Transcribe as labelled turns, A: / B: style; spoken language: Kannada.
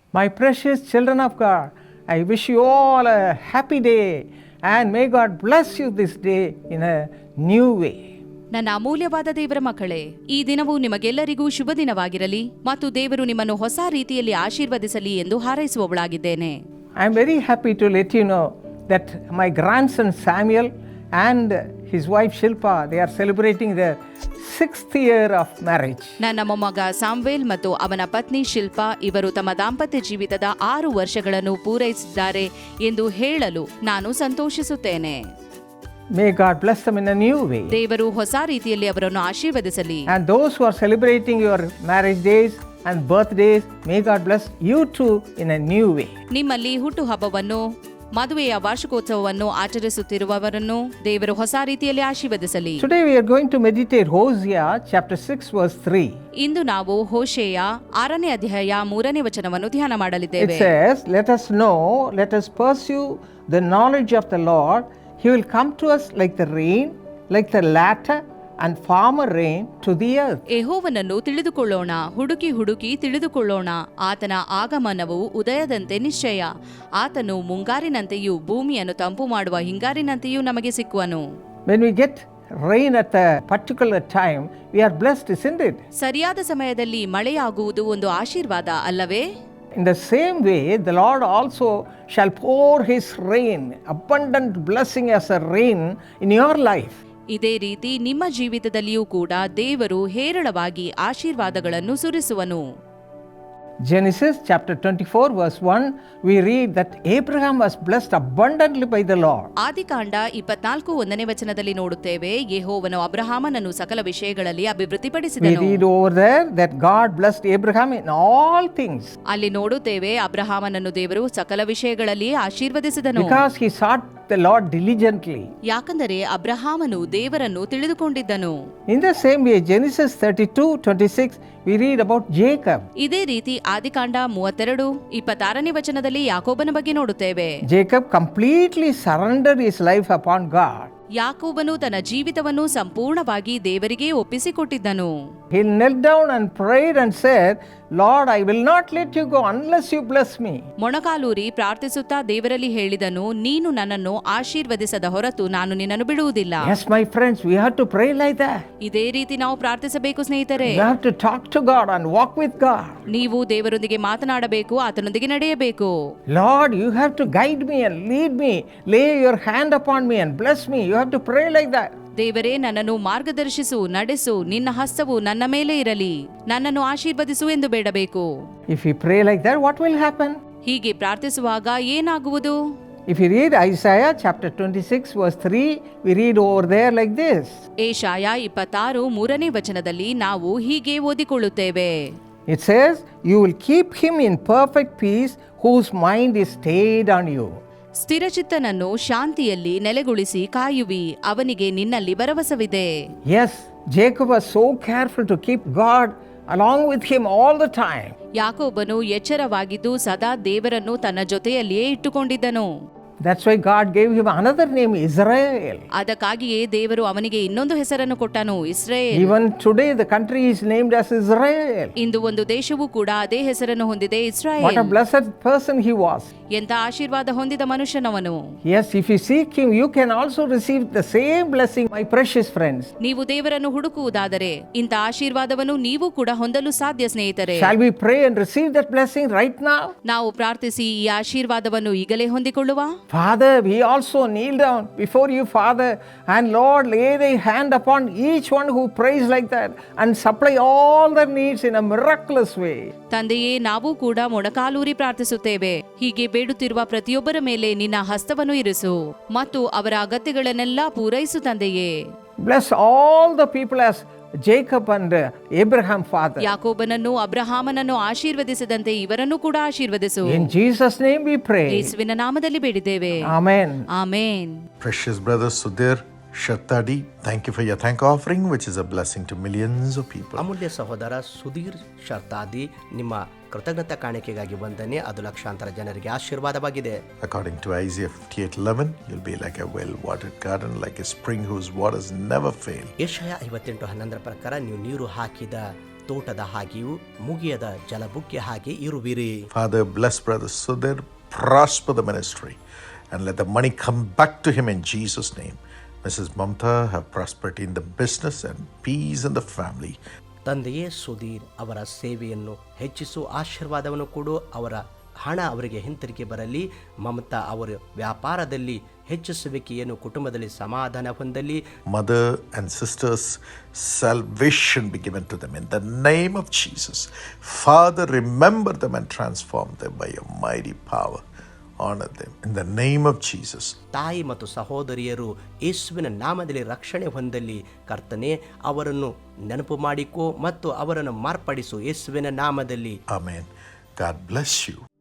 A: My precious children of God, I wish you all a happy day and may God bless you this day in a new way.
B: ನನ್ನ ಅಮೂಲ್ಯವಾದ ದೇವರ ಮಕ್ಕಳೇ, ಈ ದಿನವು ನಿಮಗೆಲ್ಲರಿಗೂ ಶುಭ ದಿನವಾಗಿರಲಿ ಮತ್ತು ದೇವರು ನಿಮ್ಮನ್ನು ಹೊಸ ರೀತಿಯಲ್ಲಿ ಆಶೀರ್ವದಿಸಲಿ ಎಂದು ಹಾರೈಸುವವಳಾಗಿದ್ದೇನೆ.
A: I am very happy to let you know that my grandson Samuel and his wife Shilpa, they are celebrating their 6th year of marriage.
B: ನನ್ನ ಮೊಮ್ಮಗ ಸಾಮ್ವೇಲ್ ಮತ್ತು ಅವನ ಪತ್ನಿ ಶಿಲ್ಪಾ ಇವರು ತಮ್ಮ ದಾಂಪತ್ಯ ಜೀವಿತದ 6 ವರ್ಷಗಳನ್ನು ಪೂರೈಸಿದ್ದಾರೆ ಎಂದು ಹೇಳಲು ನಾನು ಸಂತೋಷಿಸುತ್ತೇನೆ.
A: May God bless them in a new way.
B: ದೇವರು ಹೊಸ ರೀತಿಯಲ್ಲಿ ಅವರನ್ನು ಆಶೀರ್ವದಿಸಲಿ.
A: And those who are celebrating your marriage days and birthdays, may God bless you too in a new way.
B: ನಿಮ್ಮಲ್ಲಿ ಹುಟ್ಟುಹಬ್ಬವನ್ನು ಮದುವೆಯ ವಾರ್ಷಿಕೋತ್ಸವವನ್ನು ಆಚರಿಸುತ್ತಿರುವವರನ್ನು ದೇವರು ಹೊಸ ರೀತಿಯಲ್ಲಿ ಆಶೀರ್ವದಿಸಲಿ.
A: Today we are going to meditate Hosea chapter 6 verse 3.
B: ಇಂದು ನಾವು ಹೋಶೇಯ 6ನೇ ಅಧ್ಯಾಯ 3ನೇ ವಚನವನ್ನು ಧ್ಯಾನ ಮಾಡಲಿದ್ದೇವೆ.
A: It says, let us know, let us pursue the knowledge of the Lord. He will come to us like the rain, like the latter and former rain to the earth.
B: ಯೆಹೋವನನ್ನು ತಿಳಿದುಕೊಳ್ಳೋಣ, ಹುಡುಕಿ ಹುಡುಕಿ ತಿಳಿದುಕೊಳ್ಳೋಣ. ಆತನ ಆಗಮನವು ಉದಯದಂತೆ ನಿಶ್ಚಯ. ಆತನು ಮುಂಗಾರಿನಂತೆಯೂ ಭೂಮಿಯನ್ನು ತಂಪು ಮಾಡುವ ಹಿಂಗಾರಿನಂತೆಯೂ ನಮಗೆ ಸಿಕ್ಕುವನು.
A: When we get rain at a particular time, we are blessed, isn't it?
B: ಸರಿಯಾದ ಸಮಯದಲ್ಲಿ ಮಳೆಯಾಗುವುದು ಒಂದು ಆಶೀರ್ವಾದ ಅಲ್ಲವೇ?
A: In the same way, the Lord also shall pour His rain, abundant blessing as a rain in your life.
B: ಇದೇ ರೀತಿ ನಿಮ್ಮ ಜೀವಿತದಲ್ಲಿಯೂ ಕೂಡ ದೇವರು ಹೇರಳವಾಗಿ ಆಶೀರ್ವಾದಗಳನ್ನು ಸುರಿಸುವನು.
A: Genesis chapter 24 verse 1, we read that Abraham was blessed abundantly by the Lord.
B: ಆದಿಕಾಂಡ 24:1ನೇ ವಚನದಲ್ಲಿ ನೋಡುತ್ತೇವೆ, ಯೆಹೋವನು ಅಬ್ರಹಾಮನನ್ನು ಸಕಲ ವಿಷಯಗಳಲ್ಲಿ
A: We
B: ಅಭಿವೃದ್ಧಿಪಡಿಸಿದನು.
A: read over there that God blessed Abraham in all things
B: ಅಲ್ಲಿ ನೋಡುತ್ತೇವೆ, ಅಬ್ರಹಾಮನನ್ನು ದೇವರು ಸಕಲ ವಿಷಯಗಳಲ್ಲಿ ಆಶೀರ್ವದಿಸಿದನು.
A: because he sought the Lord diligently.
B: ಯಾಕಂದರೆ ಅಬ್ರಹಾಮನು ದೇವರನ್ನು ತಿಳಿದುಕೊಂಡಿದ್ದನು.
A: In the same way, Genesis 32:26, we read about Jacob.
B: ಇದೇ ರೀತಿ ಆದಿಕಾಂಡ 32:26ನೇ ವಚನದಲ್ಲಿ ಯಾಕೋಬನ ಬಗ್ಗೆ ನೋಡುತ್ತೇವೆ.
A: Jacob completely surrendered his life upon God.
B: ಯಾಕೋಬನು ತನ್ನ ಜೀವಿತವನ್ನು ಸಂಪೂರ್ಣವಾಗಿ ದೇವರಿಗೆ ಒಪ್ಪಿಸಿಕೊಟ್ಟಿದ್ದನು.
A: He knelt down and prayed and said, Lord, I will not let you go unless you bless me.
B: ಮೊಣಕಾಲೂರಿ ಪ್ರಾರ್ಥಿಸುತ್ತಾ ದೇವರಲ್ಲಿ ಹೇಳಿದನು, ನೀನು ನನ್ನನ್ನು ಆಶೀರ್ವದಿಸದ ಹೊರತು ನಾನು ನಿನ್ನನ್ನು ಬಿಡುವುದಿಲ್ಲ.
A: Yes, my friends, we have to pray like that.
B: ಇದೇ ರೀತಿ ನಾವು ಪ್ರಾರ್ಥಿಸಬೇಕು ಸ್ನೇಹಿತರೆ.
A: We have to talk to God and walk with God.
B: ನೀವು ದೇವರೊಂದಿಗೆ ಮಾತನಾಡಬೇಕು, ಆತನೊಂದಿಗೆ ನಡೆಯಬೇಕು.
A: Lord, you have to guide me and lead me. Lay your hand upon me and bless me. You have to pray like that.
B: ದೇವರೇ, ನನ್ನನ್ನು ಮಾರ್ಗದರ್ಶಿಸು, ನಡೆಸು, ನಿನ್ನ ಹಸ್ತವು ನನ್ನ ಮೇಲೆ ಇರಲಿ, ನನ್ನನ್ನು ಆಶೀರ್ವದಿಸು ಎಂದು ಬೇಡಬೇಕು.
A: If we pray like that, what will happen?
B: ಹೀಗೆ ಪ್ರಾರ್ಥಿಸುವಾಗ ಏನಾಗುವುದು?
A: If you read Isaiah chapter 26 verse 3, we read over there like this.
B: ಏಷಾಯ 26:3ನೇ ವಚನದಲ್ಲಿ ನಾವು ಹೀಗೆ ಓದಿಕೊಳ್ಳುತ್ತೇವೆ.
A: It says, you will keep him in perfect peace whose mind is stayed on you.
B: ಸ್ಥಿರಚಿತ್ತನನ್ನು ಶಾಂತಿಯಲ್ಲಿ ನೆಲೆಗೊಳಿಸಿ ಕಾಯುವಿ, ಅವನಿಗೆ ನಿನ್ನಲ್ಲಿ ಭರವಸವಿದೆ.
A: Yes, Jacob was so careful to keep God along with him all the time.
B: ಯಾಕೋಬನು ಎಚ್ಚರವಾಗಿದ್ದು ಸದಾ ದೇವರನ್ನು ತನ್ನ ಜೊತೆಯಲ್ಲಿಯೇ ಇಟ್ಟುಕೊಂಡಿದ್ದನು.
A: That's why God gave him another name, Israel.
B: ಅದಕ್ಕಾಗಿಯೇ ದೇವರು ಅವನಿಗೆ ಇನ್ನೊಂದು ಹೆಸರನ್ನು ಕೊಟ್ಟನು, Israel.
A: Even today the country is named as Israel.
B: ಇಂದು ಒಂದು ದೇಶವು ಕೂಡ ಅದೇ ಹೆಸರನ್ನು ಹೊಂದಿದೆ,
A: What
B: Israel.
A: a blessed person he was.
B: ಎಂತ ಆಶೀರ್ವಾದ ಹೊಂದಿದ ಮನುಷ್ಯನವನು.
A: Yes, if you seek him, you can also receive the same blessing, my precious friends.
B: ನೀವು ದೇವರನ್ನು ಹುಡುಕುವುದಾದರೆ ಇಂಥ ಆಶೀರ್ವಾದವನ್ನು ನೀವು ಕೂಡ ಹೊಂದಲು ಸಾಧ್ಯ ಸ್ನೇಹಿತರೆ.
A: Shall we pray and receive that blessing right now?
B: ನಾವು ಪ್ರಾರ್ಥಿಸಿ ಈ ಆಶೀರ್ವಾದವನ್ನು ಈಗಲೇ ಹೊಂದಿಕೊಳ್ಳುವ.
A: Father, we also kneel down before you, Father, and Lord, lay thy hand upon each one who prays like that and supply all their needs in a miraculous way.
B: ತಂದೆಯೇ, ನಾವು ಕೂಡ ಮೊಣಕಾಲೂರಿ ಪ್ರಾರ್ಥಿಸುತ್ತೇವೆ. ಹೀಗೆ ಬೇಡುತ್ತಿರುವ ಪ್ರತಿಯೊಬ್ಬರ ಮೇಲೆ ನಿನ್ನ ಹಸ್ತವನ್ನು ಇರಿಸು ಮತ್ತು ಅವರ ಅಗತ್ಯಗಳನ್ನೆಲ್ಲ ಪೂರೈಸು ತಂದೆಯೇ.
A: Bless all the people as Jacob and Abraham, Father.
B: ಯಾಕೋಬನನ್ನು ಅಬ್ರಹಾಮನನ್ನು ಆಶೀರ್ವದಿಸಿದಂತೆ ಇವರನ್ನು ಕೂಡ ಆಶೀರ್ವದಿಸು.
A: In Jesus' name we pray.
B: ಯೇಸುವಿನ ನಾಮದಲ್ಲಿ ಬೇಡಿದ್ದೇವೆ.
A: Amen.
B: Amen.
C: Precious brother Sudhir Shartadi, thank you for your thank offering, which is a blessing to millions of people.
D: ಅಮೂಲ್ಯ ಸಹೋದರ ಸುಧೀರ್ ಶರ್ತಾದಿ, ನಿಮ್ಮ ಕೃತಜ್ಞತಾ ಕಾಣಿಕೆಗಾಗಿ ವಂದನೆ. ಅದು ಲಕ್ಷಾಂತರ ಜನರಿಗೆ ಆಶೀರ್ವಾದವಾಗಿದೆ.
C: According to Isaiah 58:11, you'll be like a well-watered garden, like a spring whose waters never fail.
D: ಯೆಶಾಯ 58:11 ಪ್ರಕಾರ ನೀವು ನೀರು ಹಾಕಿದ ತೋಟದ ಹಾಗೆಯೂ ಮುಗಿಯದ ಜಲಬುಕ್ಕೆ ಹಾಗೆ ಇರುವಿರಿ.
C: Father, bless Brother Sudhir, prosper the ministry, and let the money come back to him in Jesus' name. Mrs. Mamta, have prosperity in the business and peace in the family.
D: ತಂದೆಯೇ ಸುಧೀರ್ ಅವರ ಸೇವೆಯನ್ನು ಹೆಚ್ಚಿಸು, ಆಶೀರ್ವಾದವನ್ನು ಕೊಡು, ಅವರ ಹಣ ಅವರಿಗೆ ಹಿಂತಿರುಗಿ ಬರಲಿ. ಮಮತಾ ಅವರ ವ್ಯಾಪಾರದಲ್ಲಿ ಹೆಚ್ಚಿಸುವಿಕೆಯನ್ನು, ಕುಟುಂಬದಲ್ಲಿ ಸಮಾಧಾನ ಹೊಂದಲಿ.
C: Mother and sisters, salvation be given to them in the name of Jesus. Father, remember them and transform them by your mighty power. Honor them in the name of Jesus.
D: ತಾಯಿ ಮತ್ತು ಸಹೋದರಿಯರು ಯೇಸುವಿನ ನಾಮದಲ್ಲಿ ರಕ್ಷಣೆ ಹೊಂದಲಿ. ಕರ್ತನೆ, ಅವರನ್ನು ನೆನಪು ಮಾಡಿಕೋ ಮತ್ತು ಅವರನ್ನು ಮಾರ್ಪಡಿಸು ಯೇಸುವಿನ ನಾಮದಲ್ಲಿ.
C: Amen. God bless you.